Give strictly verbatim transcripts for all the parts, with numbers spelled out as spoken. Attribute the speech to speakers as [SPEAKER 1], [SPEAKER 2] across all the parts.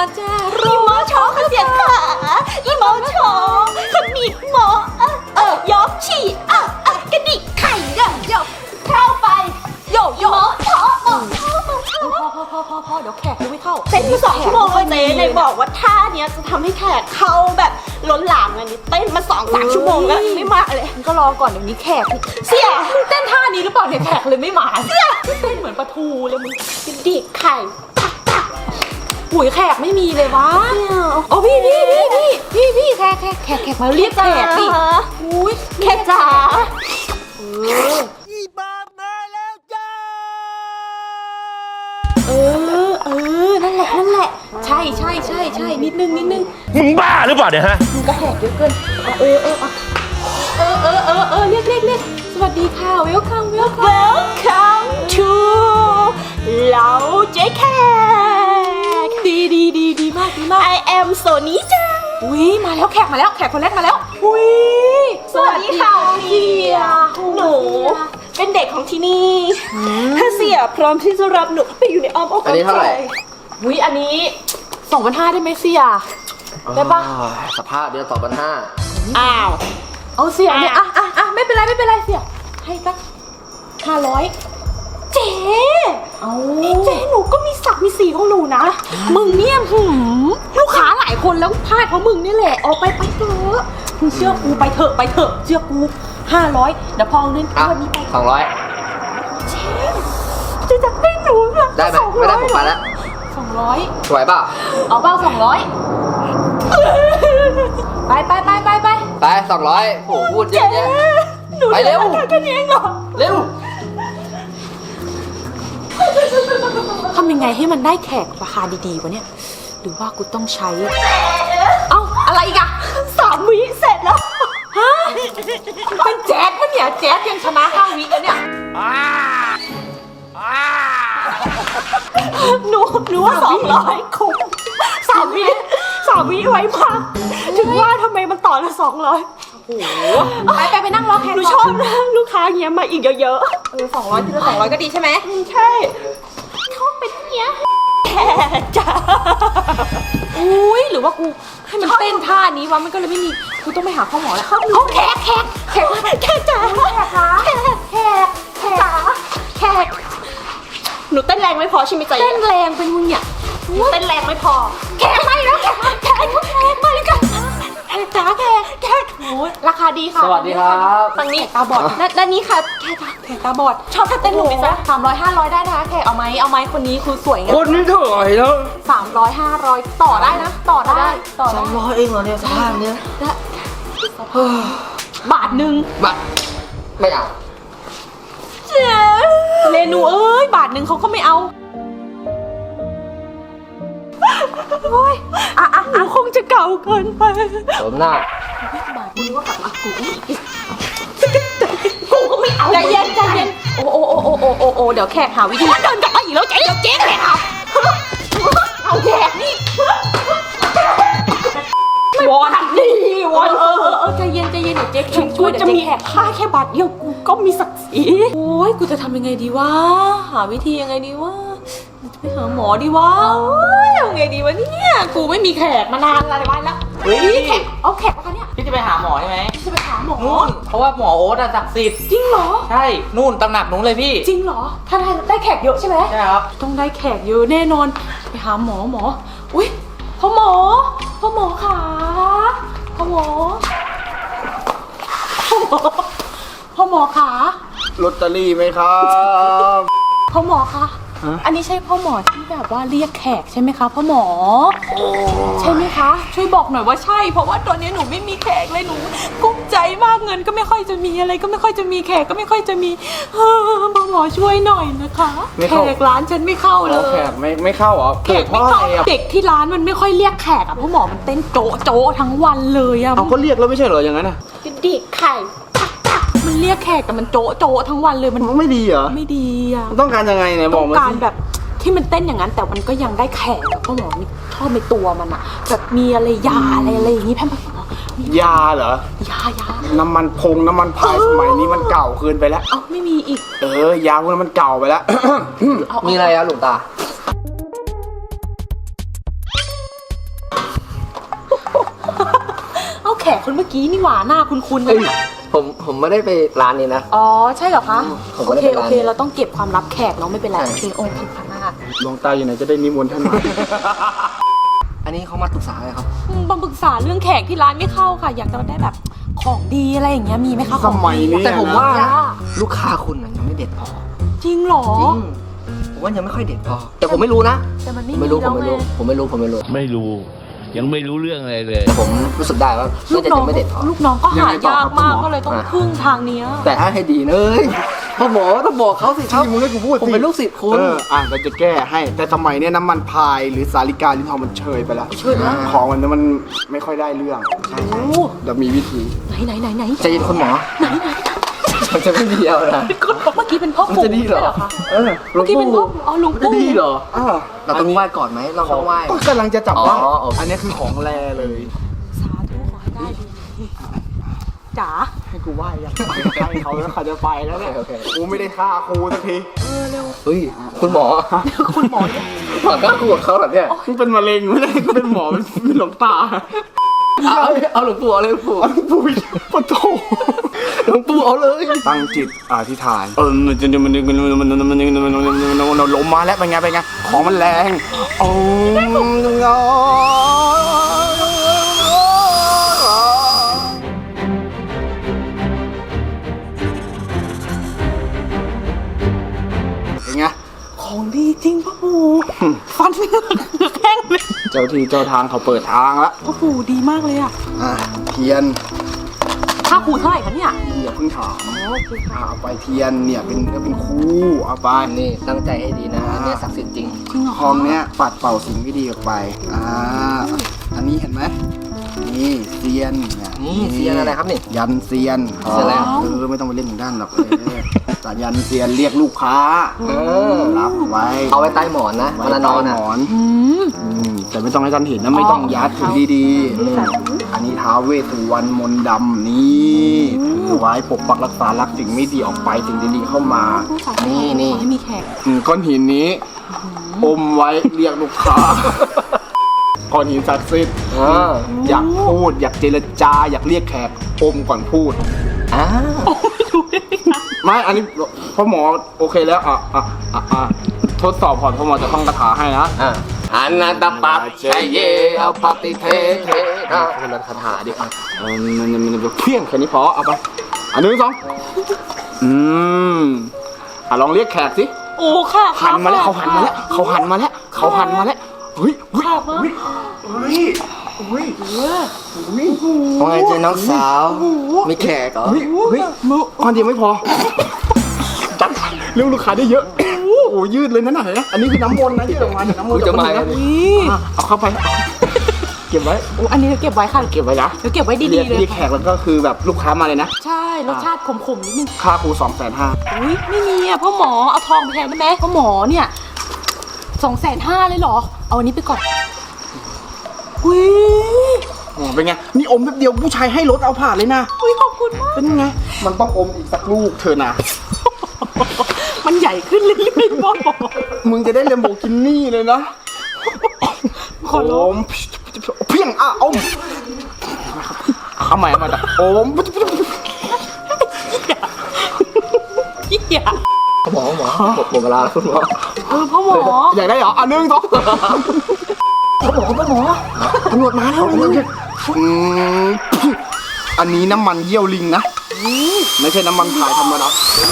[SPEAKER 1] มาจ้า
[SPEAKER 2] อีหมอชอเขาเสียขาอีหมอชอขมิบหมอเออเออยอกฉี่เออเออกระดิกไข่เด้อโยกเข้าไปโยกหมอชอหมอชอหมอชอ
[SPEAKER 1] พอพอพอพอเดี๋ยวแขกยังไม่เข้า
[SPEAKER 2] เต้นมาสองชั่วโมงเลยเจ๊ในบอกว่าท่าเนี้ยจะทำให้แขกเข้าแบบล้นหลามอันนี้เต้นมาสองสามชั่วโมงแล้วไม่มาเลย
[SPEAKER 1] ก็รอก่อนเดี๋ยวนี้แขก
[SPEAKER 2] เสี่ย
[SPEAKER 1] มึงเต้นท่านี้หรือเปล่าเนี่ยแขกเลยไม่มาเสี่ยเต้นเหมือนปลาทูเลยมึง
[SPEAKER 2] กระดิกไข่
[SPEAKER 1] ปุ๋ยแขกไม่มีเลยวะโอ้พี่พี่พี่พี่พี่พี่แขกแขกแขกแขกมาเรียกแขกดิ
[SPEAKER 2] อุ้ยแขกจ๋า
[SPEAKER 1] เอออีบ้ามาแล้วจ้าเออเออนั่นแหละนั่นแหละใช่ใช่ใช่ใช่นิดนึงนิดนึง
[SPEAKER 3] มึงบ้าหรือเปล่าเนี่ยฮะ
[SPEAKER 1] มึงก็แขกเยอะเกินเออเออเออเออเออเออเรียกเรียกเรียกสวัสดีค่ะ welcome welcome
[SPEAKER 2] welcome to เหล่าเจ๊แขก
[SPEAKER 1] ดีดีดีดีมากดีมาก
[SPEAKER 2] I am โซนี้จัง
[SPEAKER 1] อุ้ยมาแล้วแขกมาแล้วแขกคนแรกมาแล้วอุ้ย
[SPEAKER 2] สวัสดีค่ะเสียหนูเป็นเด็กของที่นี่ถ้าเสียพร้อมที่จะรับหนูไปอยู่ในอ้อมอกอ้อมใจ
[SPEAKER 1] อุ้ยอันนี้สองพันห้าได้ไหมเสียได้ปะ
[SPEAKER 4] สภาพเดือนสองพันห้า
[SPEAKER 2] อ้าว
[SPEAKER 1] เอาเสียเนี่ยอ่ะอ่ะอ่ะไม่เป็นไรไม่เป็นไรเสียให้สักห้าร้อย
[SPEAKER 2] เจ๊เอาเจ๊หนูก็มีศักดิ์มีสีของหนูนะ
[SPEAKER 1] มึงเนี่ยหืมลูกค้าหลายคนแล้วพลาดเพราะมึงนี่แหละออกไปไปเถอะมึงเชื่อกูไปเถอะไปเถอะเชื่อกูห้าร้อยเดี๋ยวพอเงินวันนี้ไป
[SPEAKER 4] สองร้อย
[SPEAKER 2] เจ๊จะจับให้หนู
[SPEAKER 4] ได้ไหมไม่ได้ผมไปแล้ว
[SPEAKER 1] สองร้อย
[SPEAKER 4] สวยเปล่า
[SPEAKER 1] เอาเปล่าสองร้อยไปไปไปไปไป
[SPEAKER 4] ไปสองร้อยโหพูดเยอะแยะไปเร็ว
[SPEAKER 2] แค่นี้เองเหรอ
[SPEAKER 4] เร็ว
[SPEAKER 1] ทำยังไงให้มันได้แขกราคาดีๆวะเนี่ยหรือว่ากูต้องใช้เอ้าอะไรอีกอะ
[SPEAKER 2] สามวิเสร็จแล้ว
[SPEAKER 1] ฮะเป็นแจ๊ดปะเนี่ยแจ๊ดยังชนะห้าวิแล้วเนี่ย
[SPEAKER 2] หนูหนูว่าสองร้อยคุ้มสามวิสามวิไว้มากถึงว่าทำไมมันต่อละสองร้อย
[SPEAKER 1] โอ้โหไปไปไปนั่งรอแขก
[SPEAKER 2] หนูชอบนะลูกค้าเงี้ยมาอีกเยอะ
[SPEAKER 1] ๆเออสองร้อยทีละสองร้อยก็ดีใช่ไหม
[SPEAKER 2] ใช่เขาเป็นเงี้ยแขกจ้า
[SPEAKER 1] อุ้ยหรือว่ากูให้มันเต้นท่านี้วะมันก็เลยไม่มีกูต้องไปหาข้อหมอแล้ว
[SPEAKER 2] เอาแขกแขกแขกแขกจ้าแขกคะแขกแขกแขกจ้าแขกหนูเต้นแรงไม่พอใช่ไหมจ๊ะ
[SPEAKER 1] เต้นแรงเป็นมึงเนี่ย
[SPEAKER 2] เต้นแรงไม่พอแขกไม่แล้วแขกแขกแขกมาเลยกันแขกจ้าแขกแขก
[SPEAKER 1] โอ้ยราคาดีค่ะ
[SPEAKER 4] สวัสดีครับ
[SPEAKER 1] ฝั่งนี้ตาบอดและนี้ค่ะแขกแขกตาบอด
[SPEAKER 2] ชอบท่าเต้นหนูไหมจ๊ะ
[SPEAKER 1] สามร้อยห้าร้อยได้นะคะแขกเอาไหมเอาไหมคนนี้คือสวยไง
[SPEAKER 4] คนนี้เท่าไหร่แล้ว
[SPEAKER 1] สามร้อยห้าร้อยต่อได้นะต่อได้ต่อได้
[SPEAKER 4] สามร้อยเองเหรอเนี่ยสภาพเนี้ย
[SPEAKER 1] บาทหนึ่ง
[SPEAKER 4] บาทไม่เอา
[SPEAKER 1] เจ๊เรนูเอ้ยบาทหนึ่งเขาก็ไม่เอา
[SPEAKER 2] โอ้ยอ่ะอ่ะอ่ะคงจะเก่าเกินไป
[SPEAKER 4] สมหน้า
[SPEAKER 1] บาทมึงว่ากลับมากู
[SPEAKER 2] กูก็ไม่เอา
[SPEAKER 1] ใจเย็นใจเย็นโอ้โอ้โอ้โอ้โอ้โอ้โอ้เดี๋ยวแขกหาวิธี
[SPEAKER 2] เดินกลับมาอีกแล้วเจ๊เดี๋ยวเจ๊แขกเอาเอาแขกนี่วอนดีวอน
[SPEAKER 1] เออเออเออใจเย็นใจเย็นเดี๋ยวเจ๊แขกช่วยเดี๋ยว
[SPEAKER 2] จะมีแขกค่าแค่บาทเดียวกูก็มีศักดิ์ศรี
[SPEAKER 1] โอ้ยกูจะทำยังไงดีวะหาวิธียังไงดีวะไปหาหมอดีวะยังไงดีวะเนี่ยกูไม่มีแขกมานานอะไรวะแล้ว
[SPEAKER 4] เฮ้ย
[SPEAKER 1] แขกเอาแขกมาเนี่ย
[SPEAKER 5] พี่จะไปหาหมอใช่ไหม
[SPEAKER 1] จะไปหาหมอ
[SPEAKER 5] นู่นเพราะว่าหมอโอ๊ตอะศักดิ์สิทธิ์
[SPEAKER 1] จริงเหรอ
[SPEAKER 5] ใช่นู่นตำหนักนู้นเลยพี่
[SPEAKER 1] จริงเหรอถ้าได้ได้แขกเยอะใช่ไหม
[SPEAKER 5] ใช่ครับ
[SPEAKER 1] ต้องได้แขกเยอะแน่นอนไปหาหมอหมออุ้ยพ่อหมอพ่อหมอขาพ่อหมอพ่อหมอพ่อหมอขา
[SPEAKER 4] ลอตเตอรี่ไหมครับ
[SPEAKER 1] พ่อหมอคะอันนี้ใช่พ่อหมอที่แบบว่าเรียกแขกใช่ไหมคะพ่อหมอใช่ไหมคะช่วยบอกหน่อยว่าใช่เพราะว่าตอนนี้หนูไม่มีแขกเลยหนูกุ้มใจมากเงินก็ไม่ค่อยจะมีอะไรก็ไม่ค่อยจะมีแขกก็ไม่ค่อยจะมีพ่อหมอช่วยหน่อยนะคะแขกร้านฉันไม่เข้าเลย
[SPEAKER 4] แขกไม่ไม่เข้าเหรอ
[SPEAKER 1] แขกไม่เข้าเด็กที่ร้านมันไม่ค่อยเรียกแขกอะพ่อหมอมันเต้นโจ๊ะโจ๊ะทั้งวันเลยอะ
[SPEAKER 4] เอาก็เรียกแล้วไม่ใช่เหรออย่างนั้นอะ
[SPEAKER 2] กระดิกไข่
[SPEAKER 1] มันเรียกแขกแต่มันโจ๊ะโจ๊ะทั้งวันเลยมัน
[SPEAKER 4] ไม่ดีเหรอ
[SPEAKER 1] ไม่ดีอะ
[SPEAKER 4] ต้องการยังไงเนี่ยบอกมาสิ
[SPEAKER 1] ต้องการแบบที่มันเต้นอย่างนั้นแต่มันก็ยังได้แขกพ่อหมอมีชอบในตัวมันอะแบบมีอะไรยาอะไรอะไรอย่างนี้แพมพ่อหม
[SPEAKER 4] อยาเหร
[SPEAKER 1] อยายา
[SPEAKER 4] น้ำมันพงน้ำมันพายสมัยนี้มันเก่าเกินไปแล้ว
[SPEAKER 1] เอ้าไม่มีอีก
[SPEAKER 4] เออยาพวกนั้นมันเก่าไปแล้วมีอะไรอะหลวงตา
[SPEAKER 1] คนเมื่อกี้นี่หว่าหน้าคุ้นๆ
[SPEAKER 3] เอ้
[SPEAKER 1] นะ
[SPEAKER 3] ยผมผมไม่ได้ไปร้านนี้นะ
[SPEAKER 1] อ๋อใช่เหรอคะ
[SPEAKER 3] ผม
[SPEAKER 1] โอ
[SPEAKER 3] ก็ได้
[SPEAKER 1] เค
[SPEAKER 3] ไป
[SPEAKER 1] โอ
[SPEAKER 3] ร้าน
[SPEAKER 1] เคเราต้องเก็บความลับแขกเนาะไม่เป็นไร
[SPEAKER 3] ใช่
[SPEAKER 1] โอเคโอเคค่ะ
[SPEAKER 4] หลวงตาอยู่ไหนจะได้นิมนต์ท่านมา
[SPEAKER 3] อันนี้เขามาปรึกษาอะไรครับ
[SPEAKER 1] อืมบางปรึกษาเรื่องแขกที่ร้านไม่เข้าค่ะ อยากจะได้แบบของดีอะไรอย่างเงี้ยมีไหมคะ
[SPEAKER 4] สมัยนี้
[SPEAKER 3] แต่ผมว่า
[SPEAKER 1] จ้า
[SPEAKER 3] ลูกค้าคุณน่ะยังไม่เด็ดพอ
[SPEAKER 1] จริงเหรอ
[SPEAKER 3] จริงผมว่ายังไม่ค่อยเด็ดพอ แต่ผมไม่รู้นะ
[SPEAKER 1] แต่มันไม่
[SPEAKER 3] ผมไม่รู้
[SPEAKER 1] มี
[SPEAKER 3] ผ
[SPEAKER 1] แล้
[SPEAKER 3] ม
[SPEAKER 1] ว
[SPEAKER 3] ไม่
[SPEAKER 1] ไง
[SPEAKER 3] รู้ผมไม่รู้ผมไม่รู้
[SPEAKER 6] ไม่รู้ยังไม่รู้เรื่องอะไรเลย
[SPEAKER 3] แต่ผมรู้สึกได้ว่า
[SPEAKER 1] ลู
[SPEAKER 3] น่าก จะ
[SPEAKER 1] น้อ
[SPEAKER 3] ยัง งไม่เด็ดพอ
[SPEAKER 1] ลูกน้องก็
[SPEAKER 4] ยัง
[SPEAKER 1] หา
[SPEAKER 4] ไงต่อย
[SPEAKER 1] าก
[SPEAKER 4] ครับ
[SPEAKER 1] มาก
[SPEAKER 4] คุณหมอ
[SPEAKER 1] ก็เลยต้อง
[SPEAKER 3] อ่ะ
[SPEAKER 1] พึ่งทางเนี้ย
[SPEAKER 3] แต่ถ้าให้ดีเนยพ่อหมอต้องบอกเขาสิครับ
[SPEAKER 4] ที่มึงให้กูพูด
[SPEAKER 3] ผม
[SPEAKER 4] สิ
[SPEAKER 3] เป็นลูกศิษย์คุณ
[SPEAKER 4] เอออ่ะเราจะแก้ให้ แต่สมัยเนี้ยน้ำมันพายหรือสาลิกาลิ้นทองมันเชยไปแล้ว
[SPEAKER 1] เชยไปแล้ว
[SPEAKER 4] ของมันมันไม่ค่อยได้เรื่องใช่
[SPEAKER 1] โอ้
[SPEAKER 4] เดี๋ยวมีวิธี
[SPEAKER 1] ไหนไหนไหนไหน
[SPEAKER 3] ใจเย็นคุณหมอมันจะไม่ดีเอานะ
[SPEAKER 1] เมื่อกี้เป็นพ่อ
[SPEAKER 3] มัน
[SPEAKER 1] ปู่
[SPEAKER 3] จะดีเหรอ
[SPEAKER 1] ใช่คะ
[SPEAKER 4] เออ
[SPEAKER 3] หลว
[SPEAKER 1] เมื่อง กี้เป็นพ่อ
[SPEAKER 3] ปู่
[SPEAKER 1] อ๋อหลวง
[SPEAKER 3] มันจะ
[SPEAKER 1] ปู่
[SPEAKER 3] ดีเหรอ
[SPEAKER 4] อ่า
[SPEAKER 3] เราต้องไหว้ก่อนไหมเราต้องไหว้
[SPEAKER 4] ก็กำลังจะจับได้
[SPEAKER 3] อ๋อโอเค
[SPEAKER 4] อันนี้คือของแรเลย
[SPEAKER 1] สาธุขอให้ได้ดีจ๋า
[SPEAKER 4] ให้กูไหว้ยังให้เขาแล้วเขาจะไปแล้วเนี่ย
[SPEAKER 3] โอเคโอเค
[SPEAKER 4] กูไม่ได้ฆ่าครูสักที
[SPEAKER 1] เออเร็ว
[SPEAKER 3] เฮ้ยคุณหมอ
[SPEAKER 1] คุณหมอเนี่ย
[SPEAKER 3] หมอก็คู่กับเขาเหรอเนี่ย
[SPEAKER 4] มึงเป็นมะเร็งไม่ได้กูเป็นหมอเป็นเป็นหลวงตา
[SPEAKER 3] เอาเอาหลวงปู่เอาเลยหลวงปู่
[SPEAKER 4] เอาหลวงปู่ปะโถ
[SPEAKER 3] หลวงปู่เอาเลย
[SPEAKER 4] ตั้งจิตอธิษฐานเออมันจะมันมันมันมันมันมันมันล้มมาแล้วเป็นไงเป็นไงของมันแรงโอ้เป็นไง
[SPEAKER 1] ของดีจริงพ่อปู่ฟันเหงือกแห้งเลย
[SPEAKER 4] เจ้าที่เจ้าทางเขาเปิดทางแล้ว
[SPEAKER 1] พ่อปู่ดีมากเลยอ่ะ
[SPEAKER 4] อ่ะเทียน
[SPEAKER 1] ค่าครูเท่าไหร่คะเนี่ย
[SPEAKER 4] อย่าเพิ่งถาม
[SPEAKER 1] อ๋อโอเคค่ะ
[SPEAKER 4] เอาไปเทียนเนี่ยเป็นเป็นคู่เอาไป
[SPEAKER 3] นี่ตั้งใจให้ดีนะอันเนี้ยศักดิ์สิทธิ์จริง
[SPEAKER 1] จริงเหรอ
[SPEAKER 4] ทองเนี้ยปัดเป่าสิ่งไม่ดีออกไป อ่า อันนี้เห็นไหมนี่เซียนเนี่ย
[SPEAKER 3] นี่เซียนอะไรครับนี่
[SPEAKER 4] ยันเซียน
[SPEAKER 3] เซียนอะไร
[SPEAKER 4] เออไม่ต้องไปเล่นถึงด้านหรอกเออแต่ยันเซียนเรียกลูกค้า
[SPEAKER 3] เออ
[SPEAKER 4] รับไว้
[SPEAKER 3] เอาไว้ใต้หมอนนะ
[SPEAKER 4] ไว้
[SPEAKER 3] เวลานอน
[SPEAKER 4] ใต้
[SPEAKER 3] อ่ะ
[SPEAKER 4] หมอน
[SPEAKER 1] อืม
[SPEAKER 4] อืมแต่ไม่ต้องให้ท่านเห็นนะไม่ต้องยัดถือดีๆอืมอันนี้ท้าวเวสสุวรรณมนต์ดำนี่ถือไว้ปกปักรักษารักสิ่งไม่ดีออกไปสิ่งดีๆเข้ามา
[SPEAKER 3] นี่นี่
[SPEAKER 1] ขอให้มีแขก
[SPEAKER 4] อืมก้อนหินนี้อมไว้เรียกลูกค้า ก้อนหินศักดิ์สิทธิ์
[SPEAKER 3] อ่า
[SPEAKER 4] อยากพูด อยากเจรจา อยากเรียกแขกอมก่อนพูด
[SPEAKER 3] อ่า
[SPEAKER 4] ไม่ อันนี้พ่อหมอโอเคแล้ว อ่ะอ่ะอ่ะอ่ะทดสอบก่อนพ่อหมอจะท่องคาถาให้นะ
[SPEAKER 3] อ่าอันนันตปัจชัยเยเอาปฏิเทเทนะคนละคาถาดิอ่ะ
[SPEAKER 4] เออมันมันมันเพี้ยงแค่นี้พอเอาไปอันหนึ่งสองอืมอ่ะลองเรียกแขกสิ
[SPEAKER 1] โอ้ค่ะ
[SPEAKER 4] หันมาแล้วเขาหันมาแล้วเขาหันมาแล้วเขาหันมาแล้วเฮ้ยเฮ้ยเฮ้ยเฮ้ยเฮ้ยเฮ้ย
[SPEAKER 3] ว่าไงเจ๊น้องสาวมีแขกเหรอ
[SPEAKER 4] เฮ้ยเฮ้ยมือก้อนเดียวไม่พอจัดเรื่องลูกค้าได้เยอะโอ้โหยืดเลยนั่นน่ะเห็นไหมอันนี้คือน้ำมนต์นะยืดออกมาจากน้ำมนต์
[SPEAKER 3] จะมา
[SPEAKER 4] จาก
[SPEAKER 3] แล้ว
[SPEAKER 4] น้ำนต์
[SPEAKER 1] นี่
[SPEAKER 4] อ่ะเอาเข้าไป เก็บไว้
[SPEAKER 1] โอ้อันนี้เก็บไว้ค่ะ
[SPEAKER 4] เก็บไว้นะ
[SPEAKER 1] เดี๋ยวเก็บไว้ดี
[SPEAKER 4] เรียก
[SPEAKER 1] ๆเลย
[SPEAKER 4] เรียกแขกแล้วก็คือแบบลูกค้ามาเลยนะ
[SPEAKER 1] ใช่รสชาติขมๆนิดนึง
[SPEAKER 4] ค่าครูสองแสนห้า
[SPEAKER 1] อุ้ยไม่มีอ่ะพ่อหมอเอาทองไปแทนได้ไหมพ่อหมอเนี่ยสองแสนห้าเลยเหรอ เอาอันนี้ไปก่อนอุ้ย
[SPEAKER 4] อ๋อเป็นไงนี่อมแป๊บเดียวผู้ชายให้รถเอาผ่านเลยนะ
[SPEAKER 1] อุ้ยขอบคุณมาก
[SPEAKER 4] เป็นไงมันต้องอมอีกสักลูกเธอนะ
[SPEAKER 1] มันใหญ่ขึ้นเรื่อยๆพ่อหมอ
[SPEAKER 4] มึงจะได้เลมโบกินี่เลยนะ
[SPEAKER 1] ขอร้อง
[SPEAKER 4] โมเพียงอ่ะอมเอาใหม่เอาใหม่โอม
[SPEAKER 1] เหี้ย
[SPEAKER 3] หมอหมอหมดหมดเวลาแล้วคุณหมอ
[SPEAKER 1] เออพ่อหมอ
[SPEAKER 4] อยากได้เหรออ่ะหนึ่งสองเขาบอกเขาหมอตำรวจมาแล้วอืมอันนี้น้ำมันเยี่ยวลิงนะไม่ใช่น้ำมันพายธรรมดา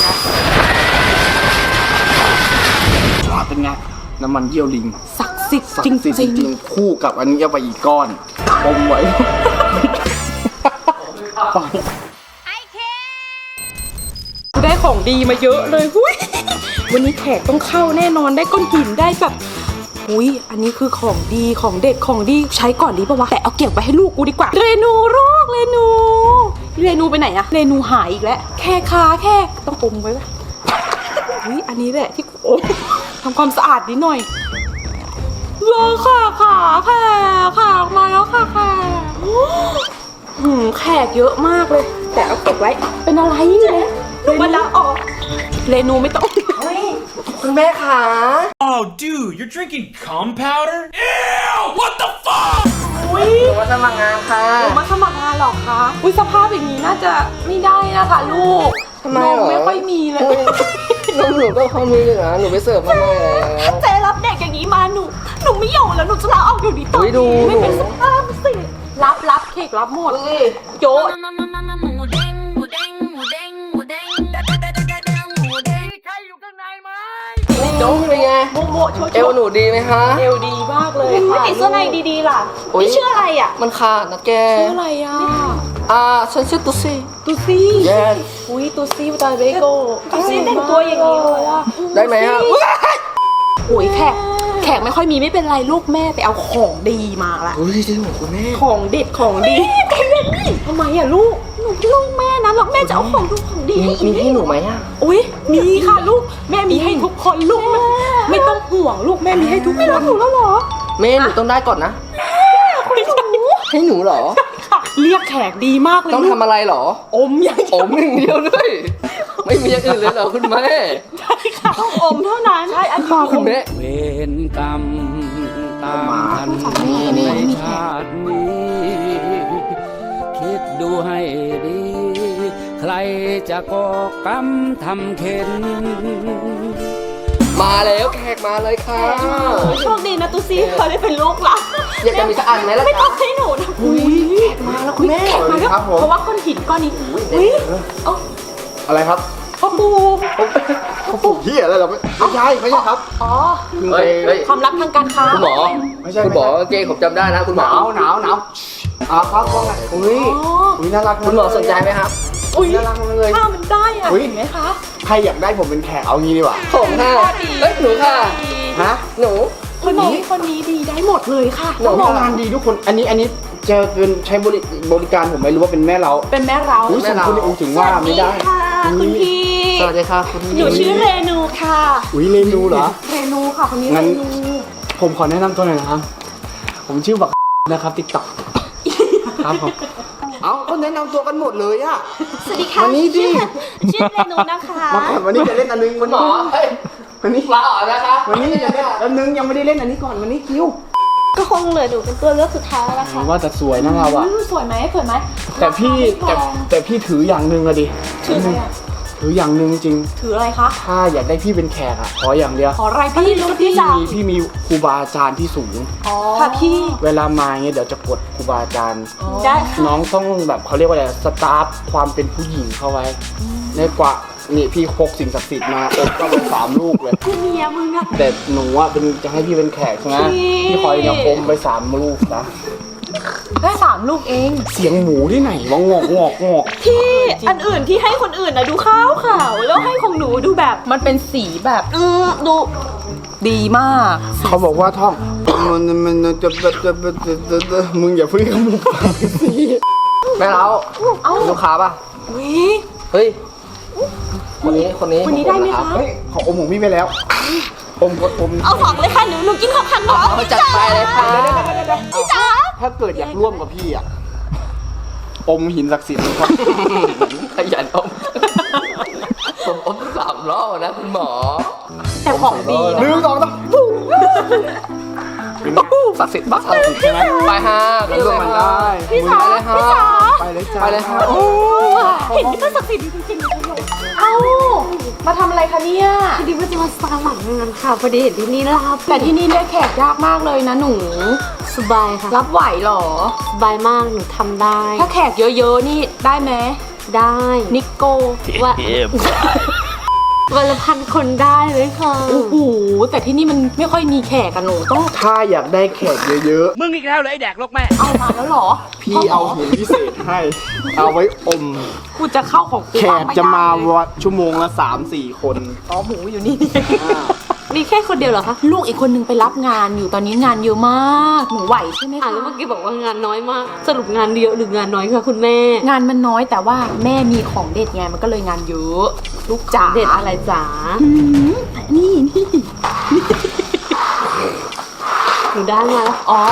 [SPEAKER 4] เป็นไงน้ำมันเยี่ยวลิง
[SPEAKER 1] ศักดิ์สิทธิ์
[SPEAKER 4] ศัก
[SPEAKER 1] จริง
[SPEAKER 4] ดิ์สิทธิ์
[SPEAKER 1] จริง
[SPEAKER 4] จริงๆคู่กับอันนี้เอาไปอีกก้อนอมไว้
[SPEAKER 1] ได้ของดีมาเยอะเลยหุ้ยวันนี้แขกต้องเข้าแน่นอนได้ก้อนหินได้แบบอุ้ยอันนี้คือของดีของเด็ดของดีใช้ก่อนดีปะวะแต่เอาเก็บไว้ให้ลูกกูดีกว่าเรนูลูกเรนูเรนูไปไหนอะเรนูหายอีกแล้วแค่ขาแค่ต้องอมไว้ปะอุ้ยอันนี้แหละที่กูอมทำความสะอาดนิดหน่อยรอค่ะขาแขกขาออกมาแล้วค่ะแขกหืมแขกเยอะมากเลย แต่เอาเก็บไว้เป็นอะไรเนี่ยมันละออกเรนูไม่ต้อง
[SPEAKER 3] คุณแม่ขา
[SPEAKER 7] Oh, dude, you're drinking cum powder? Ew! What the fuck?
[SPEAKER 1] อุ้ย
[SPEAKER 3] มาสมัครงานค่ะ
[SPEAKER 1] มาสมัครงานหรอคะอุ้ยสภาพอย่างนี้น่าจะไม่ได้นะคะลูก
[SPEAKER 3] ทำไม
[SPEAKER 1] น
[SPEAKER 3] เหร
[SPEAKER 1] ม
[SPEAKER 3] อ
[SPEAKER 1] ไม่ค่อยมีเลย
[SPEAKER 3] นมหนูก็พอมีอยู่นะหนูไปเสิร์ฟมาหน่อยแล้ว
[SPEAKER 2] ถ้าเจ๊รับเด็กอย่างนี้มาหนูหนูไม่อยู่แล้วหนูจะลาออกอยู่ดีตอน
[SPEAKER 3] เฮ้ยดู
[SPEAKER 2] นี้ไม่เป็นสภาพสิ
[SPEAKER 1] รับรับเค้กรับหมดโจ๊ะ
[SPEAKER 3] โจ๊กเป็นไง
[SPEAKER 1] โมโมโชว์
[SPEAKER 3] เอวหนูดีไหมคะ
[SPEAKER 1] เอวดีมากเลย
[SPEAKER 2] ไม่
[SPEAKER 1] ค่ะ
[SPEAKER 2] ติดเสื้อในดีๆล่ะ
[SPEAKER 3] โอ๊ย
[SPEAKER 2] นี่ชื่ออะไรอ่ะ
[SPEAKER 3] มันขาดนะแก
[SPEAKER 1] ชื่ออะไรอ่ะ
[SPEAKER 3] อ่าฉันชื่อตุ๊ซี่
[SPEAKER 1] ตูซี่
[SPEAKER 3] Yes
[SPEAKER 1] อุ้ยตูซี่ตาเบโก
[SPEAKER 2] ตูซี่แต่งตัวอย่างนี้เลยอะ
[SPEAKER 3] ได้ไหมฮะ
[SPEAKER 1] โอ้ยแขกแขกไม่ค่อยมีไม่เป็นไรลูกแม่ไปเอาของดีมาละ
[SPEAKER 3] เฮ้ยจริงเหรอคุณแม่
[SPEAKER 1] ของเด็ดของดีทำไมอ่ะลูก
[SPEAKER 2] หนูลูกแม่นะแล้วแม่จะเอาของดูของดี
[SPEAKER 3] มี
[SPEAKER 2] ให้อี
[SPEAKER 3] มี
[SPEAKER 2] ก
[SPEAKER 3] ให้หนูไหมอ่ะ
[SPEAKER 1] อุ้ยมีค่ะลูกแม่มีให้ทุกคนลูกไม่ต้องห่วงลูกแม่มีให้ทุกคน
[SPEAKER 2] หนูแล้วเหรอ
[SPEAKER 3] แม่หนูต้องได้ก่อนนะ
[SPEAKER 1] ไม่ใช่
[SPEAKER 3] ให้หนูเหรอ
[SPEAKER 1] ค่ะเรียกแขกดีมากเลย
[SPEAKER 3] ต้อง
[SPEAKER 1] ลูก
[SPEAKER 3] ทำอะไรเหรอ
[SPEAKER 1] อมอย่าง
[SPEAKER 3] อมอย่างเดียวด้วย ไม่มีอย่างอื่นเลยเหรอคุณแม่
[SPEAKER 2] ต้องอมเท่านั้น
[SPEAKER 1] ใช่อันนี้
[SPEAKER 3] คุณแม่
[SPEAKER 6] เวรกรรมตามทันในชาตินี้ คิดดูให้ดี ใครจะก่อกรรมทำเข็น
[SPEAKER 3] มาแล้วแขกมาเลยค่ะ
[SPEAKER 2] โชคดีนะตุ๊ซี่เขาได้เป็นลูกหละ
[SPEAKER 3] อยากจะมีสักอันไหมล่ะ
[SPEAKER 2] ไม่ต้
[SPEAKER 3] จ๊ะ
[SPEAKER 2] องให้หนูนะ
[SPEAKER 1] อุ้ยมาแล้วคุณแม่
[SPEAKER 4] สวัสดีครับผม
[SPEAKER 1] เพราะว่าก้อนหินก้อนนี้อุ้ยเอ้า
[SPEAKER 4] อะไรครับ
[SPEAKER 1] พ่อปู
[SPEAKER 4] เขาปลูกที่อะไรเหรอไม่ไม่ใช่ไม่ใช่ครับ
[SPEAKER 1] อ๋อ
[SPEAKER 3] เฮ้ยเฮ้ย
[SPEAKER 1] ความลับทางการค้า
[SPEAKER 3] คุณหมอ
[SPEAKER 4] ไม่ใช่
[SPEAKER 3] คุณหมอเกงผมจำได้นะคุณห
[SPEAKER 4] ห
[SPEAKER 3] มอ
[SPEAKER 4] นาวหนาวหนาวอ่าครับว่าไงอุ้ยอุ้ยน่ารัก
[SPEAKER 3] คุณหมอสนใจไหมครับ
[SPEAKER 1] อุ้ย
[SPEAKER 4] น่ารักมากเลย
[SPEAKER 1] ถ้ามันได้อะ
[SPEAKER 4] อุ๊ย
[SPEAKER 1] เห็นไหมคะ
[SPEAKER 4] ใครอยากได้ผมเป็นแขกเอางี้ดีกว่า
[SPEAKER 3] ผมค่ะเอ้ยหนูค่ะ
[SPEAKER 4] ฮะ
[SPEAKER 3] หนู
[SPEAKER 1] คนนี้คนนี้ดีได้หมดเลยค่ะ
[SPEAKER 3] หนู
[SPEAKER 4] ทำงานดีทุกคน อันนี้อันนี้จะเป็นใช้บริบริการผมไม่รู้ว่าเป็นแม่เรา
[SPEAKER 1] เป็นแม่เรา
[SPEAKER 4] อุ้ยสมคุณอูถึงว่าไม่ได้
[SPEAKER 2] ค่ะคุณพี่
[SPEAKER 3] สวัสดีค่ะคุณ
[SPEAKER 2] หนูชื่อเรนูค่ะ
[SPEAKER 4] อุ้ยเรนูเหรอ
[SPEAKER 1] เรนูค่ะคนนี้
[SPEAKER 4] งั้
[SPEAKER 1] เร
[SPEAKER 4] น
[SPEAKER 1] นู
[SPEAKER 4] ผมขอแนะนำตัวหน่อยนะครับ ผมชื่อบักนะครับติ๊กต็อกครับผมเอาก็แนะนำตัวกันหมดเลยอะ
[SPEAKER 2] สวัสดีค่ะ
[SPEAKER 4] มานี่ดิ
[SPEAKER 2] ชื่อเรนูนะคะ
[SPEAKER 4] มาก่อนวันนี้จะเล่นอันนึง
[SPEAKER 3] คุ
[SPEAKER 4] วั
[SPEAKER 3] ณ
[SPEAKER 4] น
[SPEAKER 3] หมอ
[SPEAKER 4] นี้
[SPEAKER 3] เฮ้ย
[SPEAKER 4] วันนี้
[SPEAKER 3] ลาออกนะคะ
[SPEAKER 4] วันนี้จะเล่นอันนึงยังไม่ได้เล่นอันนี้ก่อนวันนี้คิว
[SPEAKER 2] ก็คงเหลือหนูเป็นตัวเลือกสุดท้ายแล้ว
[SPEAKER 4] ผ
[SPEAKER 2] ค่ะ
[SPEAKER 4] มว่าจะสวยนะเราอะ
[SPEAKER 1] อืมสวยไหมสวยไหม
[SPEAKER 4] แต่พี่
[SPEAKER 1] ราคา
[SPEAKER 4] แต่
[SPEAKER 1] ไม่แพง
[SPEAKER 4] แต่พี่ถืออย่างหนึ่งอะดิ
[SPEAKER 1] ถืออะไรอะ
[SPEAKER 4] ถืออย่างหนึ่งจริง
[SPEAKER 1] ถืออะไรคะ
[SPEAKER 4] ถ้าอยากได้พี่เป็นแขกอะขออย่างเดียว
[SPEAKER 1] ขออะไรพี่ลูกพี่
[SPEAKER 4] พี่
[SPEAKER 1] จ๋า
[SPEAKER 4] มีพี่มีครูบาอาจารย์ที่สูง
[SPEAKER 1] อ๋อค่ะพี่
[SPEAKER 4] เวลามาเงี้ยเดี๋ยวจะกดครูบาอาจารย์
[SPEAKER 2] ได้ค่ะ
[SPEAKER 4] น้องต้องแบบเขาเรียกว่าอะไรสตาร์ฟความเป็นผู้หญิงเข้าไว้ในกว่านี่พี่พกสิ่งศักดิ์สิทธิ์มาอบก็เป็นสามลูกเลย
[SPEAKER 2] เมียมึงอะ
[SPEAKER 4] แต่หนูอะเป็นจะให้พี่เป็นแขกใช่ไหม
[SPEAKER 2] พี่
[SPEAKER 4] พี่คอยเนี่ยอมไปสามลูกนะ
[SPEAKER 1] แค่สามลูกเอง
[SPEAKER 4] เสียงหมูที่ไหนวะงอกงอกงอก
[SPEAKER 2] พี่อันอื่นที่ให้คนอื่นนะดูขาวขาวๆแล้วให้ของหนูดูแบบ
[SPEAKER 1] มันเป็นสีแบบ
[SPEAKER 2] อืมดู
[SPEAKER 1] ดีมาก
[SPEAKER 4] เขาบอกว่าท่องมันมันมันจะจะจะจะจะมึงอย่าเพิ่งขมุกปากสิ
[SPEAKER 3] แม่เรา
[SPEAKER 1] เอ้า
[SPEAKER 3] ลูกค้าป่ะ
[SPEAKER 1] วิ
[SPEAKER 3] เฮ้ย คนนี้ คนนี้
[SPEAKER 1] คนนี้ได้ไหมคะ
[SPEAKER 4] เฮ้ยขออมของพี่ไปแล้วอมกดอม
[SPEAKER 2] เอาของเลยค่ะหนูหนูกินของคันหนู
[SPEAKER 3] เอาจัดไปเลยค่ะ
[SPEAKER 2] พี่จ๋า
[SPEAKER 4] ถ้าเกิดอยากร่วมกับพี่อะอมหินศักดิ์สิทธิ์ครับ
[SPEAKER 3] ขยันอมผมอมสามรอบนะคุณหมอ
[SPEAKER 1] แต่ของดี
[SPEAKER 4] หนึ่งสองสามปุ๊บเป็นไง
[SPEAKER 3] ศักดิ์สิทธิ์มาก
[SPEAKER 4] ศักดิ์สิทธิ์ใช่ไหม
[SPEAKER 3] ไปฮะ
[SPEAKER 4] ร่วมกันได้
[SPEAKER 2] พี่จ๋า
[SPEAKER 3] ไปเลยฮะ
[SPEAKER 2] พี่จ๋า
[SPEAKER 4] ไปเลยจ้า
[SPEAKER 3] ไปเลยฮะ
[SPEAKER 2] โอ้เห็นที่มันศักดิ์สิทธิ์จริงๆเลย
[SPEAKER 1] เอ้ามาทำอะไรคะเนี่ย
[SPEAKER 2] พอดีว่าจะมาสมัครงานค่ะพอดีเห็นที่นี่รับ
[SPEAKER 1] แต่ที่นี่เรียกแขกยากมากเลยนะหนู
[SPEAKER 2] สบายค่ะ
[SPEAKER 1] รับไหวเหรอ
[SPEAKER 2] สบายมากหนูทำได้
[SPEAKER 1] ถ้าแขกเยอะๆนี่ได้ไหม
[SPEAKER 2] ได้
[SPEAKER 1] นิโก้
[SPEAKER 2] ว่าวันละพันคนได้เลยค่ะ
[SPEAKER 1] โอ้โหแต่ที่นี่มันไม่ค่อยมีแขกกันหนูต้อง
[SPEAKER 4] ถ้าอยากได้แขกเยอะ
[SPEAKER 6] มึงอีกแล้วเลยไอ้แดกลกแม่
[SPEAKER 1] เอามาแล้วเหรอ
[SPEAKER 4] ๆ พี่เอาหินพิเศษให้ เอาไว้อม
[SPEAKER 1] กูจะเข้าของกู
[SPEAKER 4] แข
[SPEAKER 1] บ้ง
[SPEAKER 4] ก
[SPEAKER 1] ไได้
[SPEAKER 4] จะมาวัดชั่วโมงละสามสี่คน
[SPEAKER 1] อ๋อหมูอยู่นี่
[SPEAKER 2] มีแค่คนเดียวเหรอคะ
[SPEAKER 1] ลูกอีกคนนึงไปรับงานอยู่ตอนนี้งานเยอะมากหนูไหวใช่ไหม
[SPEAKER 2] อ่า
[SPEAKER 1] คะ
[SPEAKER 2] แล้วเมื่อกี้บอกว่างานน้อยมาก สรุปงานเยอะหรืองานน้อยคะคุณแม่
[SPEAKER 1] งานมันน้อยแต่ว่าแม่มีของเด็ดไงมันก็เลยงานเยอะลูกจ๋า
[SPEAKER 2] เด็ดอะไรจ๋า
[SPEAKER 1] อืมนี่นี่
[SPEAKER 2] หนูได้มาแล้ว
[SPEAKER 1] อ๋อ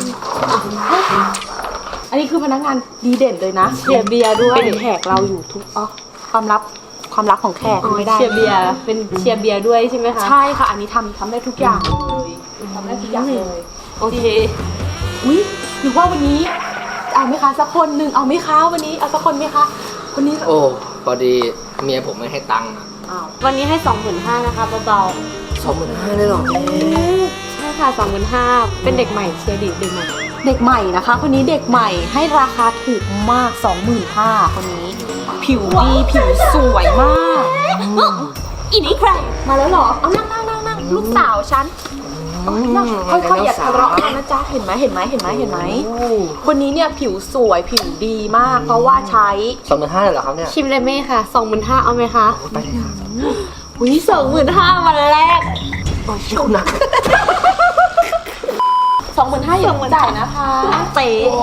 [SPEAKER 1] อันนี้คือพนักงานดีเด่นเลยนะ
[SPEAKER 2] เชียร์เบียร์ด้วย
[SPEAKER 1] เป็นแขกเราอยู่ทุกอ๋อความลับความลับของแขก
[SPEAKER 2] อ๋อ
[SPEAKER 1] ไม่ได้
[SPEAKER 2] เชียร์เบียร์เป็นเชียร์เบียร์ด้วยใช่ไหมคะ
[SPEAKER 1] ใช่ค่ะ อันนี้ทำทำได้ทุกอย่างเลยทำได้ทุกอย่างเลย
[SPEAKER 2] โอเค
[SPEAKER 1] อุ้ยหรือว่าวันนี้เอาไหมคะสักคนหนึ่งเอาไหมคะวันนี้เอาสักคนไหมคะคนนี้
[SPEAKER 3] โอ้พอดีเมียผมไม่ให้ตังค์อะ
[SPEAKER 2] อ้าววันนี้ให้สองหมื่นห้านะคะเบา
[SPEAKER 3] สองหมื่นห้าเลยเหรอ
[SPEAKER 2] ๆใช่ค่ะสองหมื่นห้าเป็นเด็กใหม่เชียร์ดิเด็กใหม่
[SPEAKER 1] เด็กใหม่นะคะ คนนี้เด็กใหม่ให้ราคาถูกมาก สองหมื่นห้าพัน คนนี้ ผิวดีผิวสวยมาก
[SPEAKER 2] อีนี่ใคร
[SPEAKER 1] มาแล้วเหรอเอานั่งนั่งนั่งนั่งลูกสาวฉันนั่งค่อยๆอย่าทะเลาะกันนะจ๊ะเห็นไหมเห็นไหมเห็นไหมเห็นไหมคนนี้เนี่ยผิวสวยผิวดีมาก เพราะว่าใช้
[SPEAKER 3] สองหมื่นห้าเลยเหรอครับเนี่ย
[SPEAKER 2] ชิมเลยไหมค่ะสองหมื่นห้าเอาไหมคะ
[SPEAKER 3] ไปเลยครับ
[SPEAKER 2] อุ้ยสองหมื่นห้าวันแรก
[SPEAKER 3] โอ้ยชิวหนัก
[SPEAKER 1] สองหมื่นห้าอย่าจ่ายนะคะ
[SPEAKER 2] เป๊